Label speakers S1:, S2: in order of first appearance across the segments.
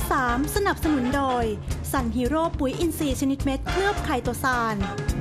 S1: 3 สนับสนุนโดยซันฮีโร่ปุ๋ยอินทรีย์ชนิดเม็ดเคลือบไคโตซาน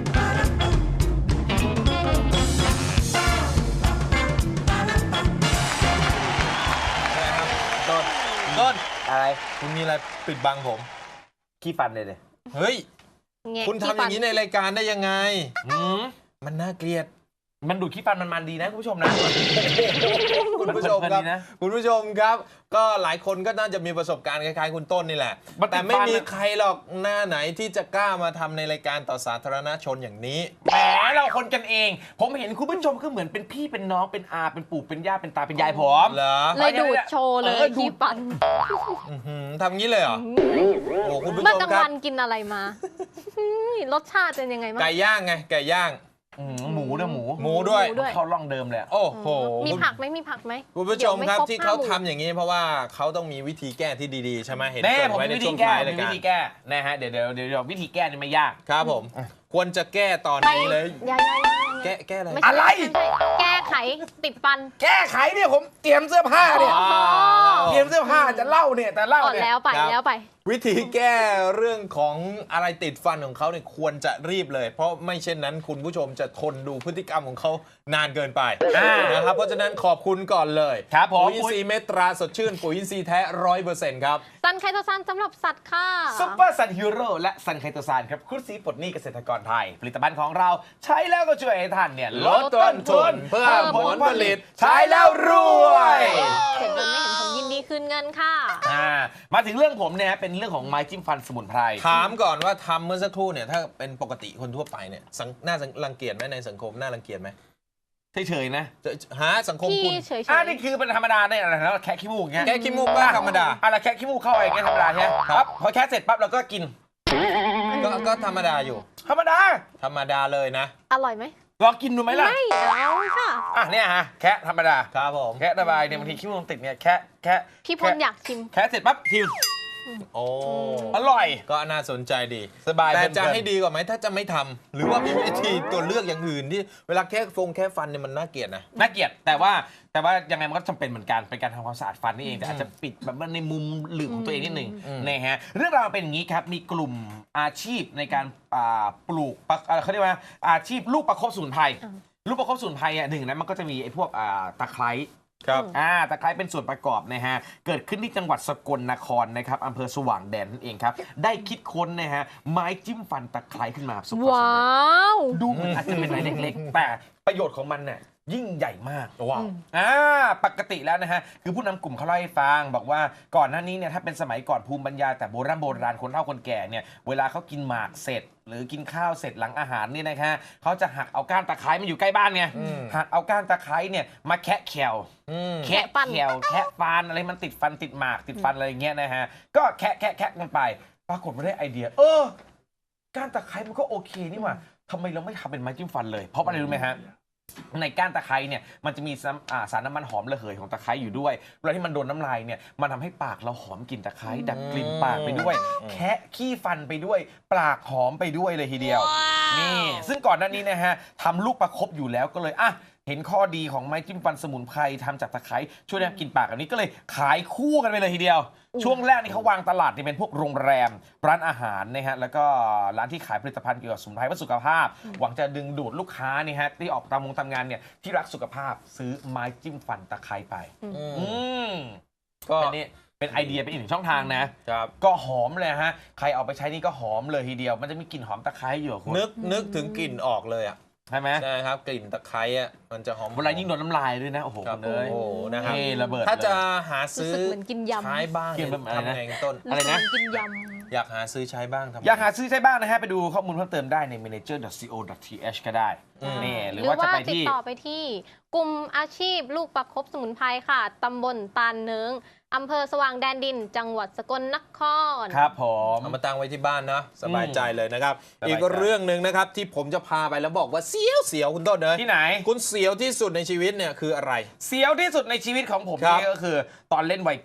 S2: ต้น
S3: อะไร
S2: คุณมีอะไรปิดบังผม
S3: ขี้ฟันเลย
S2: เฮ้ย
S4: แงะ
S2: คุณทำอย่างนี้ในรายการได้ยังไง มันน่าเกลียด
S3: มันดูดขี้ฟันมันดีนะคุณผู้ชมนะ
S2: คุณผู้ชมครับ
S3: เพลินๆดีนะ
S2: คุณผู้ชมครับ ก็หลายคนก็น่าจะมีประสบการณ์คล้ายๆคุณต้นนี่แหละ
S3: มันติด
S2: แต่ไม่มี
S3: ฟันอะ
S2: ใครหรอกหน้าไหนที่จะกล้ามาทำในรายการต่อสาธารณชนอย่างนี้
S3: แหมเราคนกันเอง ผมเห็นคุณผู้ชมก็เหมือนเป็นพี่เป็นน้องเป็นอาเป็นปู่เป็นย่าเป็นตาเป็นยายผม
S2: เหรอ
S4: เลยดูดโชว์เลย
S3: ดูด
S4: ขี้ฟัน
S2: อื้อหือทำงี้เลยเหรอ โอ้คุณผู้
S4: เมื่
S2: ช
S4: อ
S2: ม
S4: กลาง
S2: ครับ
S4: วันกินอะไรมารสชาติเป็นยังไงบ้าง
S2: ไก่ย่างไง ไก่ย่าง
S3: หมูด้วยหมู
S2: หมูด้วย
S4: ด้วย
S3: เข้าร่องเดิมเลยอะ
S2: โอ้โห
S4: มีผักไหมมีผักไหม
S2: คุณผู้ชมครับ
S4: ดี๋ยวไ
S2: ที่เขา
S4: 5 หมู่
S2: ทำอย่างนี้เพราะว่าเขาต้องมีวิธีแก้ที่ดีๆใช่ไหมเห็น
S3: แน่
S2: เกริน
S3: ผม
S2: ไว้
S3: มี
S2: ใน
S3: วิ
S2: ช่
S3: ธี
S2: วง
S3: แก้
S2: ท้าย
S3: มี
S2: รายการ
S3: วิธีแก้นะฮะเดี๋ยววิธีแก้นี่ไม่ยาก
S2: ครับผม ควรจะแก้ตอนนี้เลย
S4: อย่า
S2: แก้อะไร
S4: ไม่ใช่
S3: อะไร
S4: ม่ใช่แก้ไขติดฟัน
S3: แก้ไขเนี่ยผมเตรียมเสื้อผ้าเนี่ย
S4: อ๋อ
S3: เตรียมเสื้อผ้าจะเล่าเนี่ยแต่เล่า
S4: ก่อน
S3: เนี่ย
S4: แล้วไปแล้วไป
S2: วิธีแก้เรื่องของอะไรติดฟันของเขาเนี่ยควรจะรีบเลย เพราะไม่เช่นนั้นคุณผู้ชมจะทนดูพฤติกรรมของเขานานเกินไปนะครับเพราะฉะนั้นขอบคุณก่อนเลย
S3: ครับผม
S2: ปุ๋ยอินทรีย์เมตราสดชื่นปุ๋ยอินทรีย์แท้ 100% ครับ
S4: ซันไคโตซานสำหรับสัตว์ค่ะ
S3: ซุปเปอร์ซันฮีโร่และซันไคโตซานครับคุณสีปลดหนี้เกษตรกรไทย ผลิตภัณฑ์ของเราใช้แล้วก็ช่วยให้ท่านเนี่ยลดต้นทุน
S2: เพิ่มผลผลิต
S3: ใช้แล้วรวย
S4: เห็นผลไม่เห็นผลยินดีคืนเงินค่ะ
S3: มาถึงเรื่องผมเนี่ยเป็นเรื่องของไม้จิ้มฟันสมุนไพร
S2: ถามก่อนว่าทำเมื่อสักครู่เนี่ยถ้าเป็นปกติคนทั่วไปเนี่ยน่ารังเกียจไหมในสังคมน่ารังเกียจไหม
S3: เฉยๆนะ
S2: หาสังคม
S4: พี่
S2: คุณ
S4: เฉย
S3: นี่คือเป็นธรรมดาเนี่ยอะไรนะแคะขี้มูกเงี้ย
S2: แก้ขี้มูกก็ธรรมดา
S3: อะไรแคะขี้มูกเข้าไปอย่างเงี้ยธรรมดาใช่ไหม
S2: ครับ
S3: พอแคะเสร็จปั๊บเราก็กิน
S2: ก็ธรรมดาอยู่
S3: ธรรมดา
S2: ธรรมดาเลยนะ
S4: อร่อยไหม
S3: ลองกินดูไหมล่ะ
S4: ไม่เอาค่ะ
S3: เนี่ยฮะแคะธรรมดา
S2: ครับผม
S3: แคะระบายเนี่ยบางทีขี้มูกติดเนี่ยแคะ
S4: พี่พลอยากชิม
S3: แคะเสร็จปั๊บทิว
S2: โอ้
S3: อร่อย
S2: ก็น่าสนใจดี
S3: สบาย
S2: แต่
S3: เพลินๆ
S2: จะให้ดีกว่าไหมถ้าจะไม่ทำหรือว่ามีวิธีตัวเลือกอย่างอื่นที่เวลาแค่ฟันเนี่ยมันน่าเกลียดนะ
S3: น่าเกลียดแต่ว่ายังไงมันก็จำเป็นเหมือนกันเป็นการทำความสะอาดฟันนี่เองแต่อาจจะปิดแบบว่าในมุมหลืบของตัวเองนิดหนึ่งนะฮะเรื่องราวเป็นอย่างนี้ครับมีกลุ่มอาชีพในการปลูกเขาเรียกว่าอาชีพลูกประคบสมุนไพรลูกประคบสมุนไพรหนึ่งนะมันก็จะมีไอ้พวกตะไคร้
S2: ครับ
S3: ตะไคร้เป็นส่วนประกอบนะฮะเกิดขึ้นที่จังหวัดสกลนครนะครับอำเภอสว่างแดนนั่นเองครับได้คิดค้นนะฮะไม้จิ้มฟันตะไคร้ขึ้นมาประสบความสำ
S4: ว้า
S3: เร็จ
S4: ว
S3: ดูเหมือนอาจจะเป็นไม้เล็กๆ แต่ประโยชน์ของมันเนี่ยยิ่งใหญ่มาก
S2: ว้าว
S3: ปกติแล้วนะฮะคือผู้นำกลุ่มเขาเล่าให้ฟังบอกว่าก่อนหน้านี้เนี่ยถ้าเป็นสมัยก่อนภูมิปัญญาแต่โบราณคนเฒ่าคนแก่เนี่ยเวลาเขากินหมากเสร็จ หรือกินข้าวเสร็จหลังอาหารเนี่ยนะฮะเขาจะหักเอาก้านตะไคร้มันอยู่ใกล้บ้านไงหักเอาก้านตะไคร้เนี่ยมาแคะแขวแคะแขวแคะฟันอะไรมันติดฟันติดหมากติดฟันอะไรอย่างเงี้ยนะฮะก็แคะกันไปปรากฏว่าได้ไอเดียก้านตะไคร้มันก็โอเคนี่หว่าทำไมเราไม่ทำเป็นไม้จิ้มฟันเลยเพราะอะไรรู้ไหมฮะในก้านตะไคร้เนี่ยมันจะมีสารน้ำมันหอมระเหยของตะไคร้อยู่ด้วยเวลาที่มันโดนน้ำลายเนี่ยมันทำให้ปากเราหอมกลิ่นตะไคร้ดับกลิ่นปากไปด้วยแคะขี้ฟันไปด้วยปากหอมไปด้วยเลยทีเดียวนี่ซึ่งก่อนหน้านี้นะฮะทำลูกประคบอยู่แล้วก็เลยเห็นข้อดีของไม้จิ้มฟันสมุนไพรทำจากตะไคร้ช่วยดับกลิ่นปากแบบนี้ก็เลยขายคู่กันไปเลยทีเดียวช่วงแรกนี่เขาวางตลาดนี่เป็นพวกโรงแรมร้านอาหารนะฮะแล้วก็ร้านที่ขายผลิตภัณฑ์เกี่ยวกับสมุนไพรเพื่อสุขภาพหวังจะดึงดูดลูกค้านี่ฮะที่ออกตามงานเนี่ยที่รักสุขภาพซื้อไม้จิ้มฟันตะไคร้ไปก็อันนี้เป็นไอเดียเป็นอีกหนึ่งช่องทางนะครับก็หอมเลยฮะใครเอาไปใช้นี่ก็หอมเลยทีเดียวมันจะมีกลิ่นหอมตะไคร้อยู่คุณ
S2: นึกถึงกลิ่นออกเลยอ่ะ
S3: ใช่ไหม
S2: ใช่ครับกลิ่นตะไคร้อ่ะมันจะหอม
S3: เวลายิ่งโดนน้ำลายด้วยนะโอ้โห
S2: ครับ
S3: คุณเลย
S2: โอ้โหนะครับ
S3: ระเบิด
S2: ถ้าจะหาซื้อ
S4: รู้สึกเหมือนกินยำ
S2: ใช้บ้าง
S3: กินแบบอะไรนะ
S2: ทำไงต้น
S3: อะไรนะ
S4: รู้สึกเหมืกินย
S2: อยากหาซื้อใช้บ้างทำไง
S3: อยากหาซื้อใช้บ้างนะฮะไปดูข้อมูลเพิ่มเติมได้ใน manager.co.th ก็ได้นี่ห
S4: ำ
S3: รือว่าจะไป
S4: ติด
S3: ที่
S4: ต่อไปที่กลุ่มอาชีพลูกประคบสมุนไพรค่ะตำบลตาลเนิงอำเภอสว่างแดนดิน จังหวัดสกลนคร
S3: ครับผม
S2: เอามาตั้งไว้ที่บ้านนะสบายใจเลยนะครับ
S3: สบายใจ
S2: อีกเรื่องหนึ่งนะครับที่ผมจะพาไปแล้วบอกว่าเสียวคุณต้นเนย
S3: ที่ไหน
S2: คุณเสียวที่สุดในชีวิตเนี่ยคืออะไร
S3: เสียวที่สุดในชีวิตของผม
S2: ครับ
S3: นี่ก็คือตอนเล่นไวกิ้ง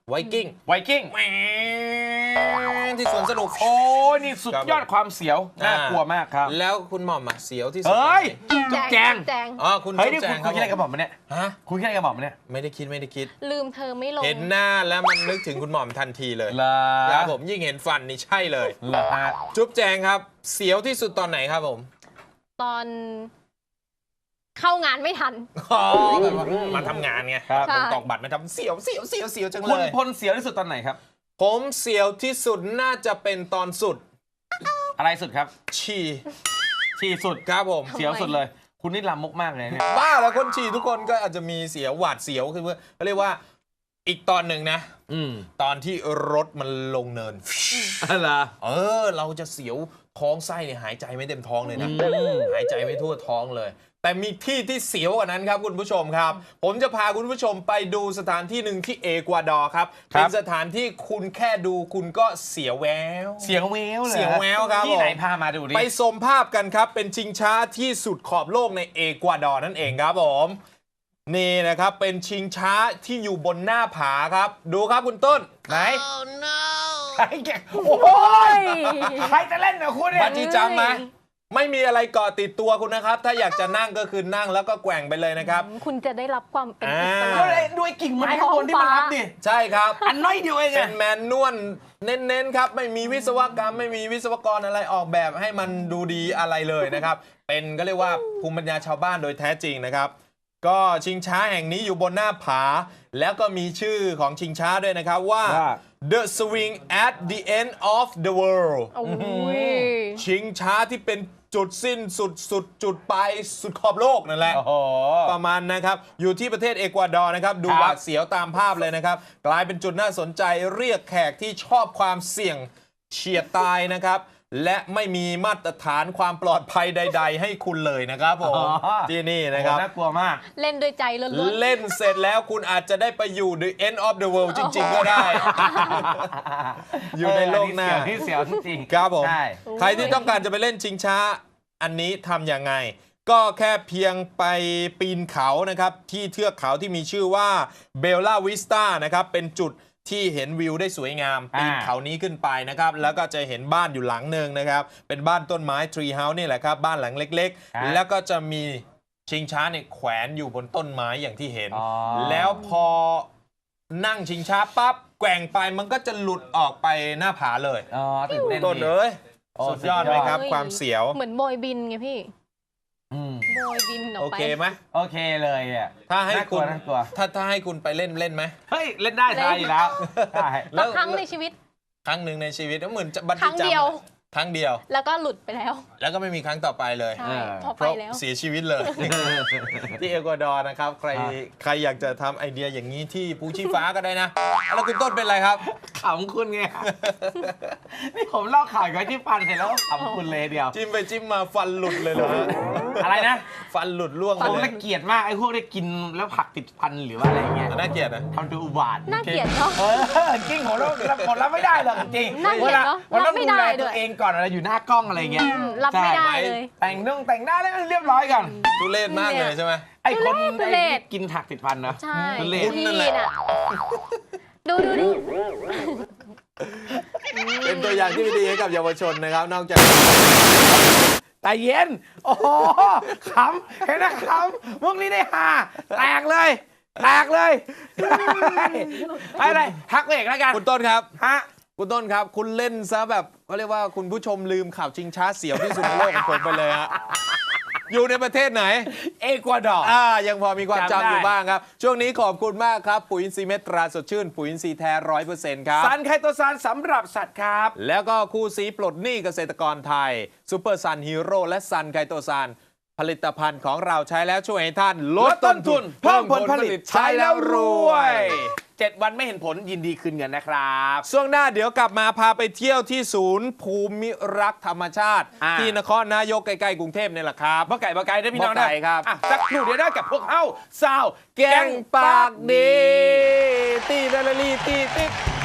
S2: ไวกิ้ง
S3: ไวกิ้ง
S2: แหมที่สวนสนุก
S3: โอ้ยนี่สุดยอดความเสียว น่ากลัวมากครับ
S2: แล้วคุณหม่อมอะเสียวที่สุด
S3: เฮ้ย
S2: ตรงไหน
S3: จุ๊บแจง
S4: แจง
S2: อ๋อคุณ
S3: เฮ้ย
S2: จุ๊
S3: นี่
S2: บแจ
S3: คุณ
S2: ง
S3: คุยคิดอะไรกับหม่อมเนี่ย
S2: ฮะ
S3: คุณคิดอะไรกับหม่อมเนี่ย
S2: ไม่ได้คิด
S4: ลืมเธอไม่ลง
S2: เห็นหน้าแล้วมันนึกถึงคุณหม่อมทันทีเลย
S3: เหรอ
S2: ครับผมยิ่งเห็นฟันนี่ใช่เลย
S3: เหรอฮะ
S2: จุ๊บแจงครับ เสียวที่สุดตอนไหนครับผม
S4: ตอนเข้างานไม่ทัน
S2: อ๋อแบบว่ามาทำงานไง
S3: ครับ
S4: ใช่
S2: ตอกบัตรมาทำเสียวจัง
S3: คุณ
S2: เลย
S3: พลเสียวที่สุดตอนไหนครับ
S2: ผมเสียวที่สุดน่าจะเป็นตอนสุด
S3: อะไรสุดครับ
S2: ฉี่
S3: ที่สุด
S2: ครับผม
S3: เสียวสุดเลย คุณนี่ลามกมากเลยเนี่ย
S2: บ้าแล้วคนฉี่ทุกคนก็อาจจะมีเสียวหวาดเสียวคือเขาเรียกว่าอีกตอนหนึ่งนะ ตอนที่รถมันลงเนิน
S3: อะไร
S2: เราจะเสียวท้องไส้เนี่ยหายใจไม่เต็มท้องเลยนะ หายใจไม่ทั่วท้องเลย แต่มีที่ที่เสียวกว่านั้นครับคุณผู้ชมครับ ผมจะพาคุณผู้ชมไปดูสถานที่หนึ่งที่เอกวาดอร์ครับ เป็นสถานที่คุณแค่ดูคุณก็เสียวแวว
S3: เสียวแววเลย
S2: เสียวแววครับ
S3: ที่ไหน
S2: ผม
S3: พามาดูดิ
S2: ไปชมภาพกันครับ เป็นชิงช้าที่สุดขอบโลกในเอกวาดอร์นั่นเองครับผม นี่นะครับเป็นชิงช้าที่อยู่บนหน้าผาครับ ดูครับคุณต้น
S3: ไหนใครแกโอ้ยใครจะเล่นกับคุณเนี่ย
S2: บัจีจัมไหมไม่มีอะไรเกาะติดตัวคุณนะครับ ถ้าอยากจะนั่งก็คือนั่งแล้วก็แกว่งไปเลยนะครับ
S4: คุณจะได้รับความเป็นอิส
S3: ก็
S4: ระ
S3: เลยด้วยกิ่งไม้ข้างบนที่มันรับดิ
S2: ใช่ครับ
S3: อันน้อยเดียวเอง
S2: เป็
S3: อะ
S2: นแมนนวลเน้นๆครับ ไม่มีวิศวกรรมไม่มีวิศวกรอะไรออกแบบให้มันดูดีอะไรเลยนะครับ เป็นก็เรียกว่าภูมิปัญญาชาวบ้านโดยแท้จริงนะครับ ก็ชิงช้าแห่งนี้อยู่บนหน้าผา แล้วก็มีชื่อของชิงช้าด้วยนะครับว่า The Swing at the End of the World
S4: โอ้ย
S2: ชิงช้าที่เป็นจุดสิ้นสุดจุดปลายสุดขอบโลกนั่นแหละ
S3: โอ้โห
S2: ประมาณนะครับ อยู่ที่ประเทศเอกวาดอร์นะครับ ดู
S3: ครับ
S2: หวาดเสียวตามภาพเลยนะครับ กลายเป็นจุดน่าสนใจเรียกแขกที่ชอบความเสี่ยงเฉียดตายนะครับ และไม่มีมาตรฐานความปลอดภัยใด ๆ ให้คุณเลยนะครับผม ที่นี่นะครับ
S3: น่ากลัวมาก
S4: เล่นด้วยใจล้วน
S2: เล่นเสร็จแล้วคุณอาจจะได้ไปอยู่ the end of the world จริง ๆ ก็ได้ อยู่ในโลกหน้า
S3: ที่เสียวจริงๆ
S2: ครับผม
S3: ใช่
S2: ใครที่ต้องการจะไปเล่นชิงช้า อันนี้ทำยังไง ก็แค่เพียงไปปีนเขานะครับ ที่เทือกเขาที่มีชื่อว่าเบลล่าวิสตานะครับ เป็นจุดที่เห็นวิวได้สวยงาม ปีนเขานี้ขึ้นไปนะครับ แล้วก็จะเห็นบ้านอยู่หลังหนึ่งนะครับ เป็นบ้านต้นไม้ทรีเฮาส์นี่แหละครับ บ้านหลังเล็ก ๆ แล้วก็จะมีชิงช้าเนี่ยแขวนอยู่บนต้นไม้อย่างที่เห็น แล้วพอนั่งชิงช้าปั๊บแกว่งไปมันก็จะหลุดออกไปหน้าผาเลย
S3: อ๋อตื่นเต้น
S2: ต้น
S3: ดี
S2: เอ้ย
S3: โอ้
S2: สุดยอดไหมครับ ความเสียว
S4: ๆ เหมือนโบยบินไงพี่
S3: อืม
S4: โบยบินออ
S2: โอก
S4: ไป
S2: เคไหม
S3: โอเคเลยอ่ะ
S2: ถ้าให้คุณ
S3: น่ากลัว
S2: ถ้าให้คุณไปเล่นไหม
S3: เฮ้ย เล่นได้ทายอยู่แล้วได้
S4: สักครั้งในชีวิต
S2: ครั้งหนึ่งในชีวิตเหมือนบัต
S4: ครั้งเดียว
S2: ครั้งเดียว
S4: แล้วก็หลุดไปแล้ว
S2: แล้วก็ไม่มีครั้งต่อไปเลย
S4: ใช่พอ
S2: เพ
S4: ไป
S2: ราะ
S4: แล้ว
S2: เสียชีวิตเลย ที่เอกวาดอร์นะครับ ใครอยากจะทำไอเดียอย่างนี้ที่ภูชีฟ้าก็ได้นะ แล้วคุณต้นเป็นไรครับ
S3: ขำคุณไง นี่ผมเล่าข่าวกับที่ฟันเสร็จแล้วขำคุณเลยเดียว
S2: จิ้มไปจิ้มมาฟันหลุดเลยเหรอฮะ
S3: อะไรนะ
S2: ฟันหลุดล่วง
S3: ผ
S2: ไป
S3: ม
S2: เล
S3: ละ
S2: ย
S3: เกียดมากไอ้พวกได้กินแล้วผักติดฟันหรือว่าอะไรเงี้ย
S2: น่าเกลียดนะ
S3: ทำตัวอุบาท
S4: น่าเกลียดเนาะ
S3: จริงผมรับไม่ได้หรอกจริง
S4: น่าเกลียดเนอะ
S3: มันต้อง
S4: รับไม่
S3: ดู
S4: ได้
S3: แล
S4: ด้
S3: ตัว
S4: วย
S3: เองก่อนอะไรอยู่หน้ากล้องอะไรเงี้ย
S4: รับไม่ได้
S3: ใช่
S4: เลย
S3: แต่งแต่งหน้าแล้วเรียบร้อยก่อน
S2: ทุเรศมากเลยใช่ไหม
S3: ไอ้คน
S4: ทุเรศ
S3: ไอ้กินผักติดฟันนะ
S4: ใช่
S3: ทุเรศ
S4: พี่น่ะ ดูดิ
S2: เป็นตัวอย่างที่ไม่ดีให้กับเยาวชนนะครับ นอกจาก
S3: แต่เย็น โอ้โหขำเห็นนะขำมุกนี้ได้ฮาแตกเลยแตกเลยอะไรทักเอกแล้วกัน
S2: คุณต้นครับ
S3: ฮะ
S2: คุณต้นครับ คุณเล่นซะแบบเขาเรียกว่าคุณผู้ชมลืมข่าวชิงช้าเสียวที่สุดในโลกของผมไปเลยฮะ อยู่ในประเทศไหน
S3: เอกวาดอร์
S2: ยังพอมีความ
S3: จำได้
S2: จำอยู่บ้างครับ ช่วงนี้ขอบคุณมากครับ ปุ๋ยอินทรีย์เม็ดตราสดชื่น ปุ๋ยอินทรีย์แท้ 100% ครับ
S3: ซันไคโตซานสำหรับสัตว์ครับ
S2: แล้วก็คู่สีปลดหนี้เกษตรกรไทยซูเปอร์ซันฮีโร่และซันไคโตซานผลิตภัณฑ์ของเราใช้แล้วช่วยให้ท่านลดต้นทุน
S3: เพิ่มผลผลิต
S2: ใช้แล้วรวย
S3: 7 วันไม่เห็นผลยินดีคืนเงินนะครับ
S2: ช่วงหน้าเดี๋ยวกลับมาพาไปเที่ยวที่ศูนย์ภูมิรักษ์ธรรมชาติ ที่นครนายกใกล้ๆกรุงเทพนี่แหละครับ
S3: บ่ไก่ได้พี่น้อง
S2: บ่ไก่ครับ
S3: อ่ะสักครู่เดี๋ยวได้กับพวกเฮ้าซาว
S2: แกงปากดี ตีดาลาลีตีติ๊ก